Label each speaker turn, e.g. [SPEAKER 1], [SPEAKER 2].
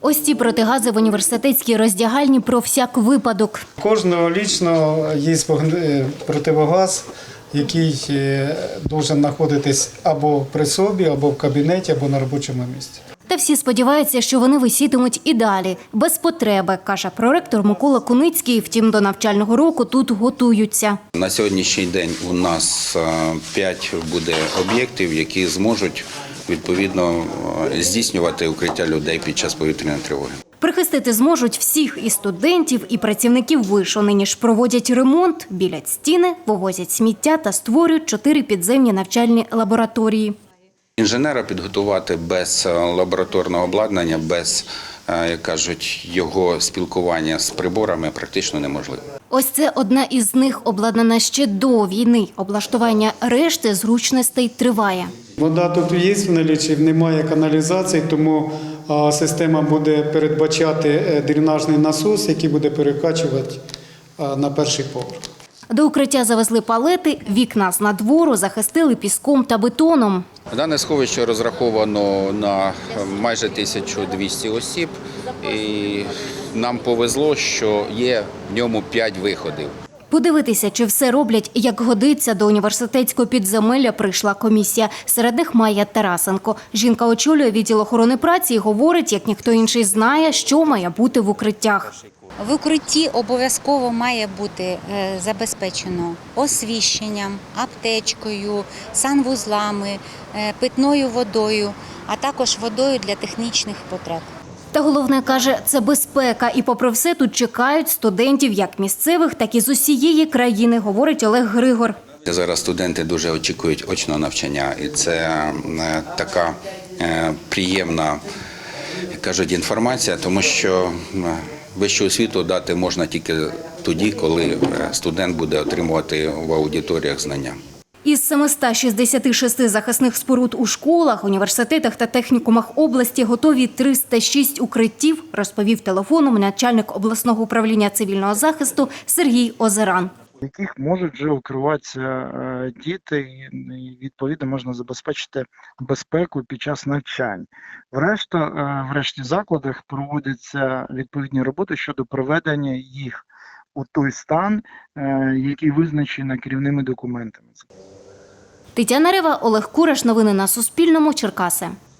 [SPEAKER 1] Ось ці протигази в університетській роздягальні про всяк випадок.
[SPEAKER 2] Кожного лічно є противогаз, який має знаходитись або при собі, або в кабінеті, або на робочому місці.
[SPEAKER 1] Та всі сподіваються, що вони висітимуть і далі, без потреби, каже проректор Микола Куницький. Втім, до навчального року тут готуються.
[SPEAKER 3] На сьогоднішній день у нас 5 буде об'єктів, які зможуть відповідно здійснювати укриття людей під час повітряної тривоги.
[SPEAKER 1] Прихистити зможуть всіх і студентів, і працівників вишу. Нині ж проводять ремонт, білять стіни, вивозять сміття та створюють 4 підземні навчальні лабораторії.
[SPEAKER 3] Інженера підготувати без лабораторного обладнання, без, як кажуть, його спілкування з приборами практично неможливо.
[SPEAKER 1] Ось це одна із них, обладнана ще до війни. Облаштування решти зручностей триває.
[SPEAKER 2] Вода тут є в налічі, немає каналізації, тому система буде передбачати дренажний насос, який буде перекачувати на перший поверх.
[SPEAKER 1] До укриття завезли палети, вікна з надвору захистили піском та бетоном.
[SPEAKER 3] Дане сховище розраховано на майже 1200 осіб. І нам повезло, що є в ньому 5 виходів.
[SPEAKER 1] Подивитися, чи все роблять, як годиться, до університетського підземелля прийшла комісія. Серед них Майя Тарасенко. Жінка очолює відділ охорони праці і говорить, як ніхто інший знає, що має бути в укриттях.
[SPEAKER 4] В укритті обов'язково має бути забезпечено освіщенням, аптечкою, санвузлами, питною водою, а також водою для технічних потреб.
[SPEAKER 1] Та головне, каже, це безпека. І попри все тут чекають студентів як місцевих, так і з усієї країни, говорить Олег Григор.
[SPEAKER 3] Зараз студенти дуже очікують очного навчання, і це така приємна, як кажуть, інформація, тому що вищу освіту дати можна тільки тоді, коли студент буде отримувати в аудиторіях знання.
[SPEAKER 1] Із 766 захисних споруд у школах, університетах та технікумах області готові 306 укриттів, розповів телефоном начальник обласного управління цивільного захисту Сергій Озеран.
[SPEAKER 5] В яких можуть вже укриватися діти, і відповідно можна забезпечити безпеку під час навчань. В решті закладах проводяться відповідні роботи щодо приведення їх у той стан, який визначений керівними документами.
[SPEAKER 1] Тетяна Рева, Олег Кураш. Новини на Суспільному. Черкаси.